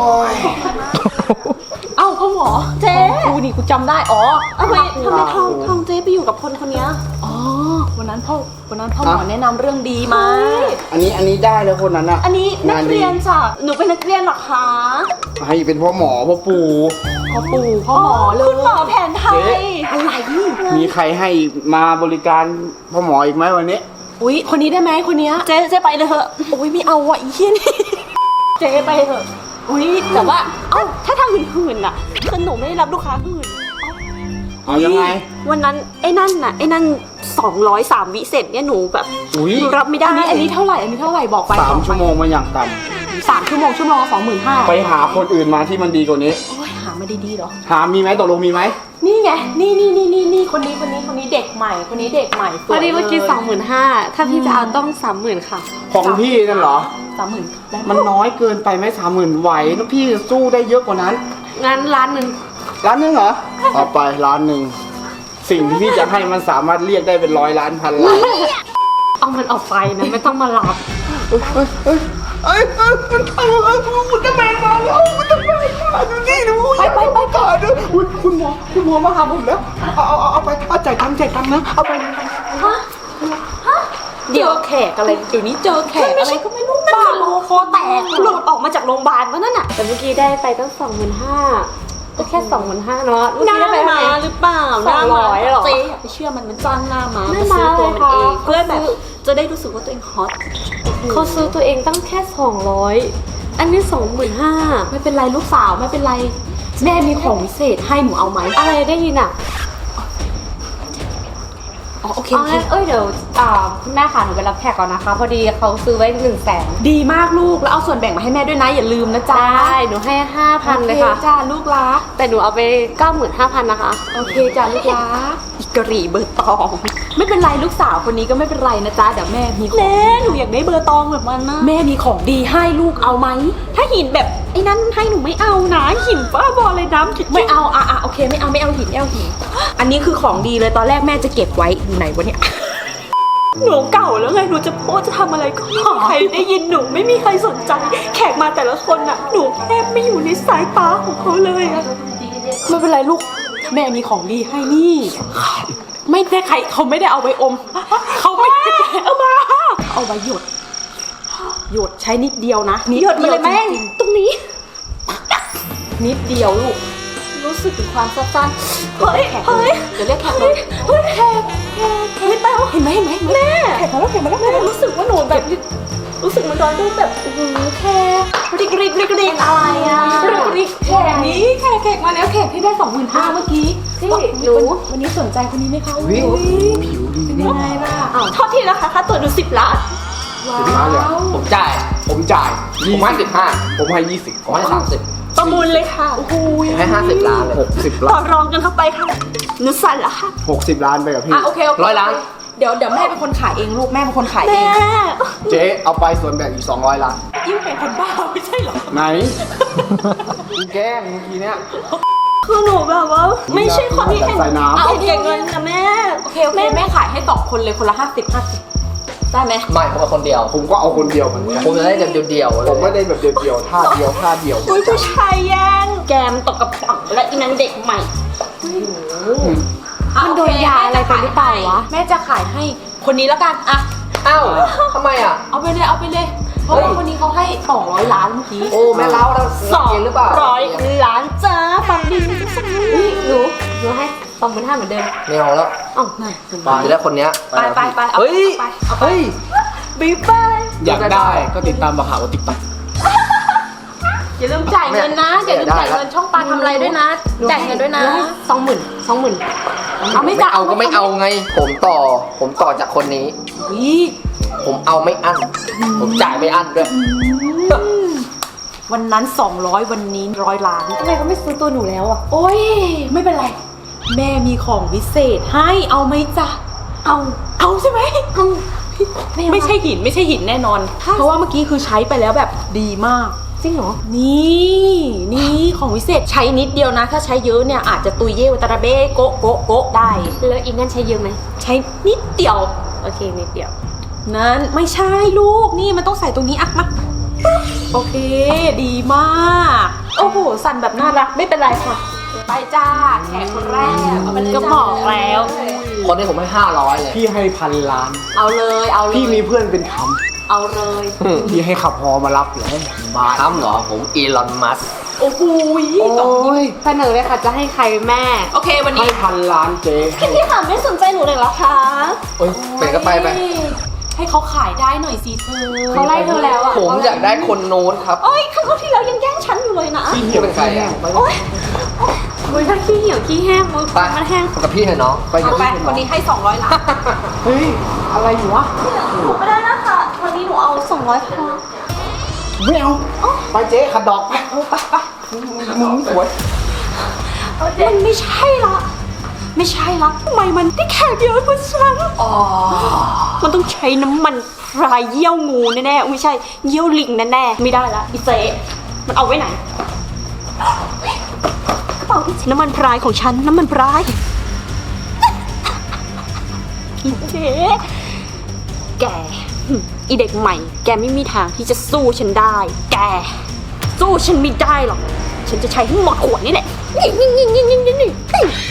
[SPEAKER 1] เอ้าพ่อหมอ
[SPEAKER 2] เจ๊
[SPEAKER 1] กูนี่กูจำได้อ๋อ
[SPEAKER 2] ทำไมทำไมทองทองเจ๊ไปอยู่กับคนคนเนี้ย
[SPEAKER 1] อ๋อวันนั้นพ่อวันนั้นพ่อหมอแนะนำเรื่องดีมา
[SPEAKER 4] อันนี้อันนี้ได้แล้วคนนั้นอะ
[SPEAKER 2] อันนี้นักเรียนจ้ะหนูเป็นนักเรียนเหรอคะ
[SPEAKER 4] ให้เป็นพ่อหมอพ่อปู่
[SPEAKER 1] พ่อปู่พ่อหมอเลย
[SPEAKER 2] คุณหมอแผนไทย
[SPEAKER 1] อะไร
[SPEAKER 4] มีใครให้มาบริการพ่อหมออีกไหมวันนี้
[SPEAKER 1] อุ๊ยคนนี้ได้ไหมคนเนี้ย
[SPEAKER 2] เจ๊เจ๊ไปเลยเถอะ
[SPEAKER 1] โอ้ยไม่เอาว่ะอีเหี้ยนี่
[SPEAKER 2] เจ๊ไปเถอะอุ้ยแต่ว่าเอ้าถ้าทำหื่นๆน่ะคือหนูไม่ได้รับลูกค้าหื่น
[SPEAKER 4] เอายังไง
[SPEAKER 2] วันนั้นไอ้นั่นน่ะไอ้นั่นสองร้อยสามวิเสร็จเนี่ยหนูแบบ
[SPEAKER 4] อุ้ย
[SPEAKER 2] หนูรับไม่ได้
[SPEAKER 1] อันนี้อันนี้เท่าไหร่อันนี้เท่าไหร่บอกไป
[SPEAKER 4] สามชั่วโมงมาอย่างต่
[SPEAKER 1] สามชั่วโมงชั่วโมงสองหมื่นห้า
[SPEAKER 4] ำไปหาคนอื่นมาที่มันดีกว่านี้
[SPEAKER 1] โอ้ยหามาดีๆเหรอ
[SPEAKER 4] หามีไหมตกลงมีไหม
[SPEAKER 1] นี่ไงนี่นี่นี่นี่นี่คนนี้คนนี้คนนี้เด็กใหม่คนนี้เด็กใหม่สวย
[SPEAKER 2] พอดีเมื่อกี้สองหมื่นห้าถ้าพี่จะเอาต้องสามหมื่นค่ะ
[SPEAKER 4] ของพี่นั่นเหรอ
[SPEAKER 1] สามหมื่นได้
[SPEAKER 4] มันน้อยเกินไปไหมสามหมื่นไหวแล้วพี่จะสู้ได้เยอะกว่านั้น
[SPEAKER 2] งั้นร้านหนึ่ง
[SPEAKER 4] ร้านหนึงเหรอเอาไปร้านหนึ่งสิ่งที่พี่จะให้มันสามารถเรียกได้เป็นร้อยล้านพันล้าน
[SPEAKER 2] เอามันออกไปนะไม่ต้องมารับ
[SPEAKER 4] เอ้ยเอ้ยเอ้ยเอ้ยเอ้ยเอ้ยเอ้ยเอ้ยอุลตร้าแมนมาแล้วอุลตร้าแมนมาดูนี่ดูไปไปไปก่อนด้วยอุ๊ยคุณหมอคุณหมอมาหาผมแล้วเอาเอาเอาเอาไปเอาจ่ายตังค์จ่ายตังค์นะเอาไป
[SPEAKER 1] เดี๋ยวแขกอะไรเดี๋ยวนี้เจอแขกอะไรก็ไม่รู้
[SPEAKER 2] นั่น
[SPEAKER 1] บ้า
[SPEAKER 2] คือโลคอแตกหลุดออกมาจากโรงพยาบาลวะนั่นน่ะแต่เมื่อกี้ได้ไปตั้งสองหมื่นห้าก็แค่สองหมื่นห้าเนาะเมื่อกี้ได้ไปเท่าไหร่หรือเปล่าสองร้อยหรอ
[SPEAKER 1] เจ๊อย่าไปเชื่อมันมันจ้างหน้ามา
[SPEAKER 2] ไม่
[SPEAKER 1] มา
[SPEAKER 2] มา
[SPEAKER 1] ซื้อ
[SPEAKER 2] เล
[SPEAKER 1] ตัวย มัน
[SPEAKER 2] ค่ะ
[SPEAKER 1] เอง
[SPEAKER 2] เพื่อแบบจะได้รู้สึกว่าตัวเองฮอตเขาซื้อตัวเองตั้งแค่สองร้อยอันนี้สองหมื่นห้า
[SPEAKER 1] ไม่เป็นไรลูกสาวไม่เป็นไร แม่มีของพิเศษให้หนูเอาไหม
[SPEAKER 2] อะไรได้ยินอ่ะ
[SPEAKER 1] อ๋อโอเค
[SPEAKER 2] เอา
[SPEAKER 1] โอเค
[SPEAKER 2] งั้นเอ้ยเดี๋ยวอ่าคุณแม่ค่ะหนูไปรับแขกก่อนนะคะ พอดีเขาซื้อไว้หนึ่งแสน
[SPEAKER 1] ดีมากลูกแล้วเอาส่วนแบ่งมาให้แม่ด้วยนะอย่าลืมนะจ๊ะ
[SPEAKER 2] ได้หนูให้ห้าพันเลยค่ะ
[SPEAKER 1] โอจ้าลูกรัก
[SPEAKER 2] แต่หนูเอาไปเก้าหมื่นห้าพันนะคะ
[SPEAKER 1] โอเคจ้าลูกรักอีกรีเบอร์ตอง ไม่เป็นไรลูกสาวคนนี้ก็ไม่เป็นไรนะจ๊ะเดี๋ยวแม่มีของ
[SPEAKER 2] แม่หนูอยากได้เบอร์ตองแบบมันนะ
[SPEAKER 1] แม่มีของดีให้ลูกเอาไหม
[SPEAKER 2] ถ้าหินแบบไอ้นั่นให้หนูไม่เอานะหินบ้าบอเลยน้ำ
[SPEAKER 1] ไม่เอาอ่ะอ่ะโอเคไม่เอาไม่เอาหินไม่เอาหิน อันนี้คือของดีเลยตอนแรกแม่จะเก็บไว้อยู่ไหนวะเนี่ย
[SPEAKER 2] หนูเก่าแล้วไงหนูจะโพสจะทำอะไรก็ไม่มีใครได้ยินหนูไม่มีใครสนใจ แขกมาแต่ละคนน่ะหนูแทบไม่อยู่ในสายตาของเขาเลยอะ
[SPEAKER 1] ไม่เป็นไรลูกแม่มีของดีให้นี่ ไม่ได้ใครเขาไม่ได้เอาไว้อม เขาไม่ได้เอามาเอาไว้หยดหยดใช้นิดเดียวนะนิ
[SPEAKER 2] หยดมาเลยแม่
[SPEAKER 1] จริง
[SPEAKER 2] ตรงนี้
[SPEAKER 1] ๆนิดเดียวลูก
[SPEAKER 2] รู้สึกถึงความสั้นๆเฮ้ย
[SPEAKER 1] แขก
[SPEAKER 2] เฮ้ย
[SPEAKER 1] เดี๋ยวเรียกแขกเล
[SPEAKER 2] เฮ้ย
[SPEAKER 1] ย
[SPEAKER 2] เฮ้ยแขกแขกเฮ้ยแต้ว
[SPEAKER 1] เห็นไหมเห็นไหมเห็นไหม
[SPEAKER 2] แม่
[SPEAKER 1] แขกมาแล้วแขกมาแล้ว
[SPEAKER 2] แม่รู้สึกว่าหนูแบบรู้สึกเหมันตอนที่แบบโอ้โหแขกริกริกริกริกอะไรอ่ะริกริกแข
[SPEAKER 1] แข
[SPEAKER 2] ก
[SPEAKER 1] กนี้แขกแขกมาแล้วแขกที่ได้สองหมื่นห้าเมื่อกี้
[SPEAKER 2] พี่
[SPEAKER 1] ว่า
[SPEAKER 2] หนู
[SPEAKER 1] วันนี้สนใจคนนี้ไหมคะ
[SPEAKER 4] วิ
[SPEAKER 1] อุ๊ย
[SPEAKER 4] ผิวดี
[SPEAKER 1] เป็น
[SPEAKER 4] นี่
[SPEAKER 1] ยังไงล่ะ
[SPEAKER 2] อ้าวโทษทีนะคะค่าตัวหนูสิบล้าน
[SPEAKER 1] ว้า
[SPEAKER 4] สิบล้านเลยเหรอ
[SPEAKER 1] ว
[SPEAKER 3] ผมจ่าย
[SPEAKER 4] ผมจ่าย
[SPEAKER 3] ผมให้สิบห้า
[SPEAKER 4] ผมให้ยี่สิบ
[SPEAKER 3] ผมให้สามสิบ
[SPEAKER 2] ประมูลเลยค่ะ
[SPEAKER 1] โอ้โห
[SPEAKER 3] ผมให้ห้าสิบล้านเลย
[SPEAKER 4] หกสิบ
[SPEAKER 2] ต่
[SPEAKER 4] ล้า
[SPEAKER 2] อน รองกันเข้าไปค่ะหนูสั่นละค่ะ
[SPEAKER 4] หกสิบล้านไปกับพี่
[SPEAKER 1] อ่ะโอเคโอเค
[SPEAKER 3] ร้อยล้าน
[SPEAKER 1] เดี๋ยวเดี๋ยวแม่เป็นคนขายเองลูกแม่เป็นคนขายเอ
[SPEAKER 2] แม่
[SPEAKER 1] ง
[SPEAKER 4] เจ๊เอาไปส่วนแบ่งอีกสองร้อยล้าน
[SPEAKER 1] ยิ่งเป็นคนบ้าไม่ใช่เหรอ
[SPEAKER 4] ไหนกูแกล้งเมื่อกี้เนี้ย
[SPEAKER 2] คือหนูแบบว่า ไม่ใช่คนที่เห็น
[SPEAKER 4] ใส่น้ำ
[SPEAKER 2] เห็นเก่งเงินนะแม่
[SPEAKER 1] โอเคโอเคแม่ขายให้สองคนเลยคนละห้าสิบห้าสิบได้ไหม
[SPEAKER 3] ไม่ผมเป็นคนเดียว
[SPEAKER 4] ผมก็เอาคนเดียวเหมือนกัน
[SPEAKER 3] ผมจะได้เดียวเดียวๆเล
[SPEAKER 4] ผมไม่
[SPEAKER 3] ย
[SPEAKER 4] ได้แบบเดียวๆท่าเดียวท่าเดียว
[SPEAKER 2] อุ้ยผู้ชายแย่งแกมตกกระป๋องและอีนั้นเด็กใหม่
[SPEAKER 1] มันโดนยาอะไรไปหรือเปล่าวะแม่จะขายให้คนนี้แล้วกันอะ
[SPEAKER 3] อ้าวทำไมอ่ะ
[SPEAKER 1] เอาไปเลยเอาไปเลยเพราะว่าคนนี้เขาให้สองร้อยล้านเมื่อกี้
[SPEAKER 3] โอ้แม่เล้าเรา
[SPEAKER 2] สอง
[SPEAKER 3] เรียนหรือเปล่า
[SPEAKER 2] ร้อยล้านจ้าฟังดีสักนิดหนูหนูให้สองหมื่นห้าเหมือนเดิม
[SPEAKER 3] ไม่เอาแล้ว
[SPEAKER 2] อ๋อ
[SPEAKER 3] ผมจะได้คนเนี้ย
[SPEAKER 1] ไปไปไปเอา
[SPEAKER 3] เฮ้ย
[SPEAKER 1] ไปเอาไป
[SPEAKER 3] เฮ้ย
[SPEAKER 2] บ๊ายบาย
[SPEAKER 4] อยากได้ก็ติดตามบักหาวติ๊กต็อก
[SPEAKER 1] อย่าลืมจ่ายเงินนะอย่าลืมจ่ายเงินช่องปลาทำอะไรด้วยนะจ่ายเงินด้วยนะสองหมื่นสองหมื่นเอาไม่
[SPEAKER 3] ไม่
[SPEAKER 1] จ่าย
[SPEAKER 3] เอาก็ไม่เอาไง ผมต่อ ผมต่อจากคนนี้
[SPEAKER 1] วิ
[SPEAKER 3] ผมเอาไม่อั้น ผมจ่ายไม่อั้นด้วย
[SPEAKER 1] วันนั้นสองร้อยวันนี้ร้อยล้าน
[SPEAKER 2] ทำไมเขาไม่ซื้อตัวหนูแล้วอ่ะ
[SPEAKER 1] โอ้ยไม่เป็นไร แม่มีของพิเศษให้เอาไหมจ๊ะ
[SPEAKER 2] เอา
[SPEAKER 1] เอาใช่ไหม
[SPEAKER 2] เอาไม่เอา
[SPEAKER 1] ไม่ใช่หินไม่ใช่หินแน่นอน เพราะว่าเมื่อกี้คือใช้ไปแล้วแบบดีมาก
[SPEAKER 2] จริงเหรอ
[SPEAKER 1] นี่นี่ของวิเศษใช้นิดเดียวนะ ถ้าใช้เยอะเนี่ยอาจจะตุยเย่วตาราเบ้โกะโกะโกะได้
[SPEAKER 2] แล้วอีกนั่นใช้เยอะไหม
[SPEAKER 1] ใช้นิดเดียว
[SPEAKER 2] โอเคนิดเดียว
[SPEAKER 1] นั้นไม่ใช่ลูกนี่มันต้องใส่ตรงนี้อ่ะมาโอเค ดีมาก โอ้โห สั่นแบบน่ารักไม่เป็นไรค่ะ ไปจ้าแขกคนแรกเอาไปเลย
[SPEAKER 2] ก็
[SPEAKER 1] จ้า
[SPEAKER 2] บอกแล้ว
[SPEAKER 3] คนนี้ผมให้ห้าร้อยเลย
[SPEAKER 4] พี่ให้พันล้าน
[SPEAKER 1] เอาเลยเอาเลย
[SPEAKER 4] พี่มีเพื่อนเป็นท
[SPEAKER 1] เอาเลย
[SPEAKER 4] ำพี่ให้ขับฮอมารับเลยบาท
[SPEAKER 3] ทำเหรอ ผมอีลอนมัสก์
[SPEAKER 1] โอ้โห
[SPEAKER 4] โอ้ย
[SPEAKER 2] เสนอเลยค่ะจะให้ใครแม่
[SPEAKER 1] โอเควัน
[SPEAKER 4] ให้
[SPEAKER 1] นี้
[SPEAKER 4] พันล้านเจ๊ให้
[SPEAKER 2] พี่ค่ะไม่สนใจหนูเลยเหรอคะ
[SPEAKER 3] โอ้ยเป็นก็ไปไป
[SPEAKER 1] ให้เขาขายได้หน่อยสิเธอ
[SPEAKER 2] เขาไล่เธอแล้วอ่ะ
[SPEAKER 3] ผมอยากได้คนโน้นครับ
[SPEAKER 2] โอ๊ยครั้งที่แล้วยังแย่งฉันอยู่เลยนะ
[SPEAKER 4] พี่
[SPEAKER 3] พี่เป็นใครอ่ะ
[SPEAKER 2] โอ๊ยโอ๊ยถ้าขี้เหี่ยวขี้แห้งมือ
[SPEAKER 3] ไป
[SPEAKER 2] มันแห้ง
[SPEAKER 3] กับพี่เถอะน้อง
[SPEAKER 4] ไปกับ
[SPEAKER 1] เอาไป
[SPEAKER 4] พี่
[SPEAKER 1] คนนี้ให้สองร้อยล้าน
[SPEAKER 4] เฮ้ย อะไรอยู่วะ
[SPEAKER 2] หนูไม่ได้นะคะวันนี้หนูเอาสองร้อยพอ
[SPEAKER 4] ไม่เอา ไปเจ๊ขัดดอกไป
[SPEAKER 1] ไปไป
[SPEAKER 4] มึงสวย
[SPEAKER 1] มันไม่ใช่ละไม่ใช่ละทำไมมันได้แขกเยอะกว่าฉันอ๋อ
[SPEAKER 2] มันต้องใช้น้ำมันพรายเยี่ยวงูแน่ๆไม่ใช่เยี่ยวลิงแน่ๆไม่ได้ละอีเซมันเอาไว้ไหนกระเป๋าที่น้ำมันพรายของฉันน้ำมันพรายอีเจ๊แกหึอีเด็กใหม่ แกไม่มีทางที่จะสู้ฉันได้ แก สู้ฉันไม่ได้หรอกฉันจะใช้ทั้งหมดขวดนี่แหละนี่นี่นี่นี่นี่นี่นี่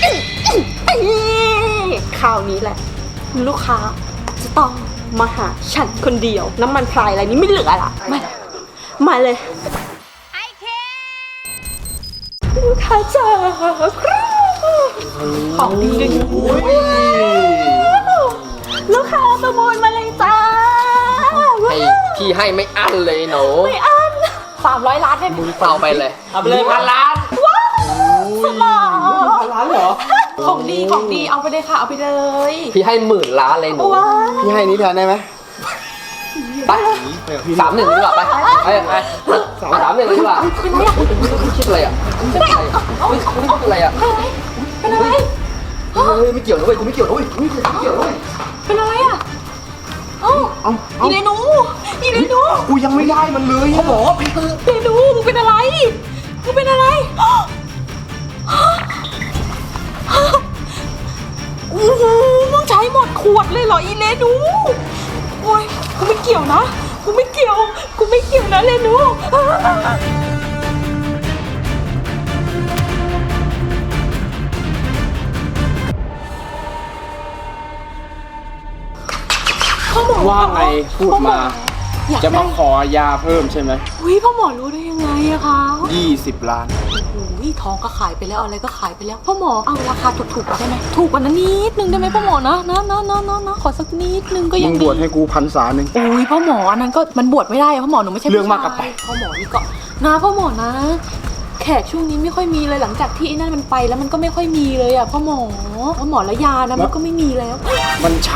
[SPEAKER 2] คราวนี้แหละ ลูกค้าจะต้องมาหาฉันคนเดียว น้ำมันพรายอะไรนี้ไม่เหลือละมามาเลยไอเคลูกค้าจ๋า
[SPEAKER 1] ของดีเลย
[SPEAKER 2] ลูกค้าประมูลมาเลยจ้า
[SPEAKER 3] ให้พี่ให้ไม่อั้นเลยหนู
[SPEAKER 2] ไม่อัน
[SPEAKER 1] สามร้อยล้านให้มึง
[SPEAKER 3] เอาไปเลย
[SPEAKER 5] เอาไปเลยพันล้าน
[SPEAKER 2] สมอง
[SPEAKER 4] พันล้านเหรอ
[SPEAKER 1] ของดีของดีเอาไปเลยค่ะเอาไปเลย
[SPEAKER 3] พี่ให้หมื่นล้านเลยหนู
[SPEAKER 2] ว้า
[SPEAKER 4] พี่ให้นี้แทนได้ไหม
[SPEAKER 3] ไปสามหนึ่งดีกว่าไปไปไปสามหนึ่งดีกว่าคิดอะไรอ่ะคิดอะไรอ่ะ
[SPEAKER 1] เป็นอะไร
[SPEAKER 3] เฮ้ยไม่เกี่ยวนะเว้ยกูไม่เกี่ยวนะเว้ยไม่เกี่ยวไม่เกี่ยวนะเว้ย
[SPEAKER 1] เป็นอะไรอ่ะเอ้า
[SPEAKER 4] เอาเอา
[SPEAKER 1] อีเรนูอีเรนู
[SPEAKER 4] กูยังไม่ได้มันเลยเขาบอกว่าพี่
[SPEAKER 1] เรนูมึงเป็นอะไรมึงเป็นอะไรโอ้โหมึงใช้หมดขวดเลยเหรออีเรนูโอ้ยกูไม่เกี่ยวนะกูไม่เกี่ยวกูไม่เกี่ยวนะเรนู
[SPEAKER 4] ว่าไงพูดมา
[SPEAKER 1] อยาก
[SPEAKER 4] จะ
[SPEAKER 1] ได้
[SPEAKER 4] มาขอยาเพิ่มใช่ไหม
[SPEAKER 1] อุ้ยพ่อหมอรู้ได้ยังไงอะคะ
[SPEAKER 4] ยี่สิบล้าน
[SPEAKER 1] อุ้ยทองก็ขายไปแล้วอะไรก็ขายไปแล้วพ่อหมอเอาราคาถูกๆได้ไหมถูกกว่านั้นนิดนึงได้ไหมพ่อหมอนะนะนะนะนะนะขอสักนิดนึงก็
[SPEAKER 4] มึ
[SPEAKER 1] ยัง
[SPEAKER 4] ง
[SPEAKER 1] ดี
[SPEAKER 4] บวชให้กูพันษาหนึ่ง
[SPEAKER 1] โอ้ยพ่อหมออันนั้นก็มันบวชไม่ได้อะพ่อหมอหนูไม่ใช่
[SPEAKER 4] เรื่องมากกับไป
[SPEAKER 1] พ่อหมอนี่ก็นะพ่อหมอนะ แขกช่วงนี้ไม่ค่อยมีเลยหลังจากที่ไอ้นั่นมันไปแล้วมันก็ไม่ค่อยมีเลยอะพ่อหมอพ่อหมอและยานะมันก็ไม่มีแล้ว
[SPEAKER 4] มันใช้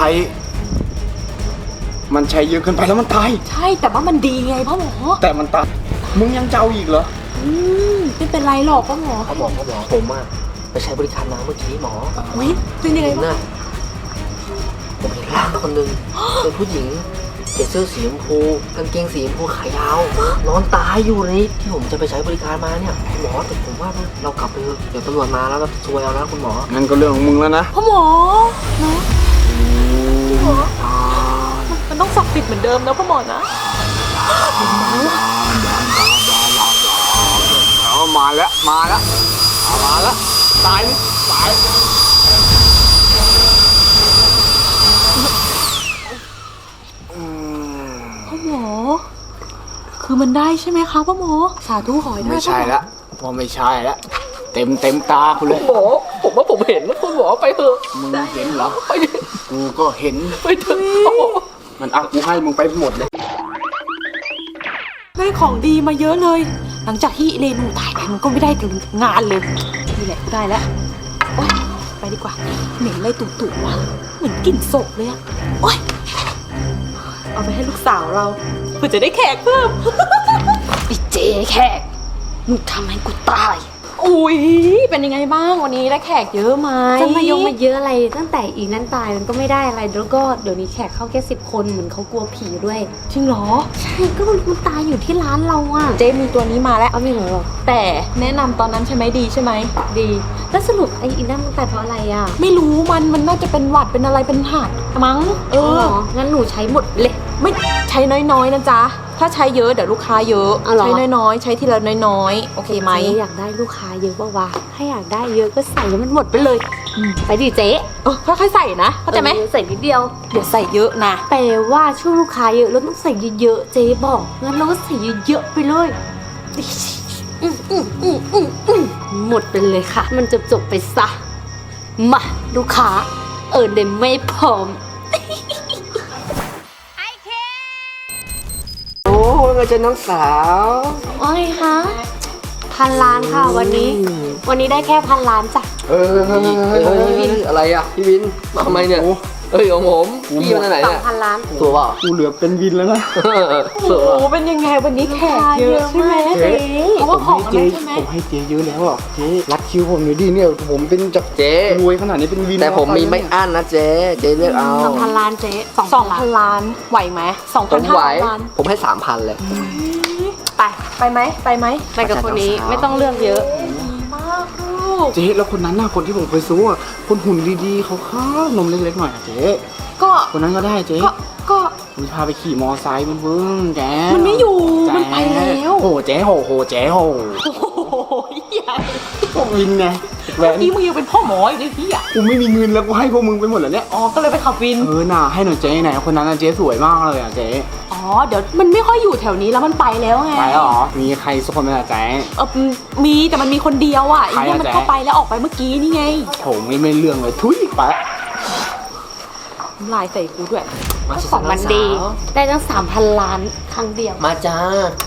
[SPEAKER 4] มันใช้เยอะเกินไปแล้วมันตาย
[SPEAKER 1] ใช่แต่ว่ามันดีไงพ่อหมอ
[SPEAKER 4] แต่มันตาย มึงยังจะเอาอีกเหรอ
[SPEAKER 1] อืมไม่เป็นไรหรอกพ่อหมอ
[SPEAKER 3] เขาบอกเขาบอกผมอ่ะไปใช้บริการน้ำเมื่อกี้หมอ
[SPEAKER 1] อุ้ยเป็นยังไง
[SPEAKER 3] เห็น
[SPEAKER 1] บ้าง
[SPEAKER 3] น่ะผมเห็นร่างคนหนึ่งเป็นผู้หญิงใส่เสื้อสีชมพูกางเกงสีชมพูขายาว นอนตายอยู่ในที่ผมจะไปใช้บริการมาเนี่ยคุณหมอแต่ผมว่าเรากลับไปเถอะเดี๋ยวตำรวจมาแล้วเราซวยเอานะคุณหมอ
[SPEAKER 4] งั้นก็เรื่องของมึงแล้วนะ
[SPEAKER 1] พ่อหมอนะมันต้องศักดิ์สิทธิ์เหมือนเดิมนะพ่อหมอนะ
[SPEAKER 4] เอามาแล้ว มาแล้วเอามาแล้ว ตายนี่ตาย
[SPEAKER 1] พ่อหมอ คือมันได้ใช่ไหมคะพ่อหมอ สาธุขอให้ได้
[SPEAKER 4] ไม่ใช่ละว่าไม่ใช่ละเต็มเต็มตาคุณเลย
[SPEAKER 3] หมอผมว่าผมเห็นนะคุณหมอไปเถอะ
[SPEAKER 4] มึงเห็นเหรอ
[SPEAKER 3] ไปดิ
[SPEAKER 4] กูก็เห็น
[SPEAKER 3] ไปเถอะ
[SPEAKER 4] มันอ่ะกูให้มึงไปหมดเลย
[SPEAKER 1] ในได้ของดีมาเยอะเลย หลังจากที่เรนูตายไปมันก็ไม่ได้งานเลยนี่แหละได้แล้วโอ๊ยไปดีกว่าเหม็นอะไรตุ่ๆว่ะเหมือนกลิ่นศพเลยอะโอ๊ยเอาไปให้ลูกสาวเราเพื่อจะได้แขกเพิ่ม
[SPEAKER 2] ไอ้เจแขกมึงทำให้กูตาย
[SPEAKER 1] อุ้ยเป็นยังไงบ้างวันนี้ได้แขกเยอะไหม
[SPEAKER 2] จะมายงมาเยอะอะไรตั้งแต่อีนั้นตายมันก็ไม่ได้อะไรแล้วก็เดี๋ยวนี้แขกเข้าแค่สิบคนเหมือนเขากลัวผีด้วย
[SPEAKER 1] จริงเหรอ
[SPEAKER 2] ใช่ก็มันมันตายอยู่ที่ร้านเราอะ
[SPEAKER 1] เจ๊มีตัวนี้มาแล้ว
[SPEAKER 2] เอาไม่เหรอ
[SPEAKER 1] แต่แนะนำตอนนั้นใช่ไหมดีใช่ไหม
[SPEAKER 2] ดีแล้วสรุปไอ้อีนั่นมันตายเพราะอะไรอะ
[SPEAKER 1] ไม่รู้มันมันน่าจะเป็นหวัดเป็นอะไรเป็นหัดมั้งเอ
[SPEAKER 2] เอ
[SPEAKER 1] อ
[SPEAKER 2] องั้นหนูใช้หมดเลย
[SPEAKER 1] ไม่ใช้น้อยๆนะจ๊ะถ้าใช้เยอะเดี๋ยวลูกค้าเยอะ
[SPEAKER 2] อ๋อเหรอ
[SPEAKER 1] ใช้น้อยๆใช้ทีละน้อยๆโอเคไหม
[SPEAKER 2] เจ๊อยากได้ลูกค้าเยอะป่าวะถ้าอยากได้เยอะก็ใส่ให้มันหมดไปเลยไปดิเจ๊
[SPEAKER 1] เออค่อยๆใส่นะเข้าใจไหม
[SPEAKER 2] ออใส่นิดเดียว
[SPEAKER 1] เดี๋ยวใส่เยอะนะ
[SPEAKER 2] แปลว่าช่วงลูกค้าเยอะเราต้องใส่เยอะๆเจ๊บอกงั้นเราก็ใส่เยอะๆไปเลยอืมอืมอืมอืมอืมหมดไปเลยค่ะ มันจบจบๆไปซะมาลูกค้าเออเดมไม่พร้อม
[SPEAKER 3] โอ้ว่าไงจ๊ะน้องสาว
[SPEAKER 2] ว่าไงคะพันล้านค่ะวันนี้ วันนี้ได้แค่พันล้านจ้ะ
[SPEAKER 4] เออ
[SPEAKER 3] เฮ้ยเฮ้ยเฮ้ยเฮ้ยอะไรอ่ะพี่วินมาทำไมเนี่ยเอ้ยของผมพี่มาจากไหน
[SPEAKER 2] สอ
[SPEAKER 3] เนี่
[SPEAKER 2] ง
[SPEAKER 3] ย
[SPEAKER 2] พันล้าน
[SPEAKER 3] ตัวเปล่า
[SPEAKER 4] กูเหลือเป็นวินแล้วนะ
[SPEAKER 3] เสือ
[SPEAKER 1] โอ้เป็นยังไงวันนี้แขกเยอะใช่ไหม
[SPEAKER 4] เจ๊
[SPEAKER 1] เพราะ
[SPEAKER 4] ผ
[SPEAKER 1] ว่าม ของ
[SPEAKER 4] ให้
[SPEAKER 1] มัน
[SPEAKER 4] เจ๊
[SPEAKER 1] ใช่ไหม
[SPEAKER 4] ผมให้เจ๊เยอะแล้วอ่ะเจ๊รัดคิวผมหน่อยดิเนี่ยผมเป็นจาก
[SPEAKER 3] เจ๊
[SPEAKER 4] รวยขนาดนี้เป็นวิน
[SPEAKER 3] แต่ผมมีไม่อั้นนะเจ๊เจ๊เลือกเอา
[SPEAKER 2] สองพันล้านเจ๊สอง
[SPEAKER 1] สอง
[SPEAKER 2] พั
[SPEAKER 1] พั
[SPEAKER 2] น
[SPEAKER 1] น
[SPEAKER 2] ล้าน
[SPEAKER 1] ล้านไหวไหมสอง
[SPEAKER 3] ผ
[SPEAKER 1] พัน
[SPEAKER 3] ม
[SPEAKER 1] ห้า
[SPEAKER 3] ไหว
[SPEAKER 1] ร้อยล้าน
[SPEAKER 3] ผมให้สามพันเลย
[SPEAKER 1] ไปไปไหมไปไหม
[SPEAKER 2] ไปกับคนนี้ไม่ต้องเลือกเยอะ
[SPEAKER 1] ดีมากลูก
[SPEAKER 4] เจ๊แล้วคนนั้นน่ะคนที่ผมเคยซื้ออ่ะคนหุ่นดีๆเขาข้านมเล็กๆหน่อยอ่ะเจ๊
[SPEAKER 1] ก็
[SPEAKER 4] คนนั้นก็ได้เจ๊
[SPEAKER 1] ก็ก็
[SPEAKER 4] ผมพาไปขี่มอไซค์มันเพิ่งแจ๊
[SPEAKER 1] มันไม่อยู่
[SPEAKER 4] แจ๊
[SPEAKER 1] มันไปแล้ว
[SPEAKER 4] โอ้โหเจ๊โหโหเจ๊โห
[SPEAKER 1] โอ้โหใหญ่
[SPEAKER 4] ผมวินไงแหว
[SPEAKER 1] เมื่อน กี้มึงยังเป็นพ่อหมออยู่เลยพี่อ่ะ
[SPEAKER 4] กูไม่มีเงินแล้วกูให้พวกมึงไปหมดแล้วเนี่ย
[SPEAKER 1] อ๋อก็เลยไปขับวิน
[SPEAKER 4] เออน่ะให้หน่อยเจ๊ไหนคนนั้นน่ะเจ๊สวยมากเลยอ่ะเจ๊
[SPEAKER 1] อ๋อเดี๋ยวมันไม่ค่อยอยู่แถวนี้แล้วมันไปแล้วไง
[SPEAKER 4] ไปแล้วเหรอมีใครสักคนไหมล่ะเจ๊
[SPEAKER 1] เออมีแต่มันมีคนเดียวอ่ะไอ้เนี่ย
[SPEAKER 4] ใครอะ
[SPEAKER 1] มัน
[SPEAKER 4] แจ๊
[SPEAKER 1] เข้าไปแล้วออกไปเมื่อกี้นี่ไง
[SPEAKER 4] โถไม่ไม่เรื่องเลยทุยไปละ
[SPEAKER 1] น้ำลายใส่กูด้วย
[SPEAKER 3] มา
[SPEAKER 2] ของมันดี ได้ตั้งสามพันล้านครั้งเดียว
[SPEAKER 3] มาจ้า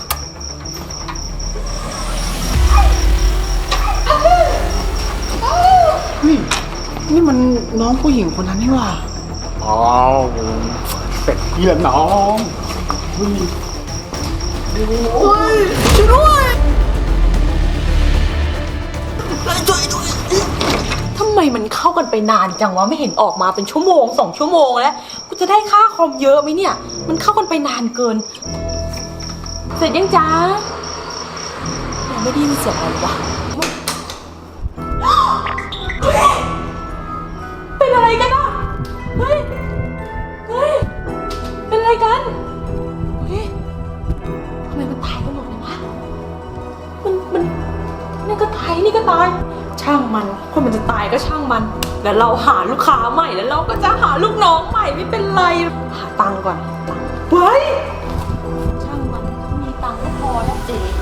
[SPEAKER 4] เฮ้ยนี่มันน้องผู้หญิงคนนั้นนี่หว่าอ๋อเป็ดพี่ละน้องเฮ้ยโอ้ยช่วยด้วย
[SPEAKER 1] ทำไมมันเข้ากันไปนานจังวะไม่เห็นออกมาเป็นชั่วโมงสองชั่วโมงแล้วกูจะได้ค่าคอมเยอะไหมเนี่ย มันเข้ากันไปนานเกิน เสร็จยังจ้ายังไม่ได้ยินเสียงอะไรวะเฮ้ยเป็นอะไรกันอะเฮ้ยเฮ้ยเป็นอะไรกันเฮ้ยทำไมมันตายกันหมดเลยวะมันมันนี่ก็ตายนี่ก็ตาย ช่างมันคนมันจะตายก็ช่างมันแล้วเราหาลูกค้าใหม่แล้วเราก็จะหาลูกน้องใหม่ไม่เป็นไรหาตังค์ก่อนตังค์ไว้ช่างมันมีตังค์ก็พอแล้วเจ๊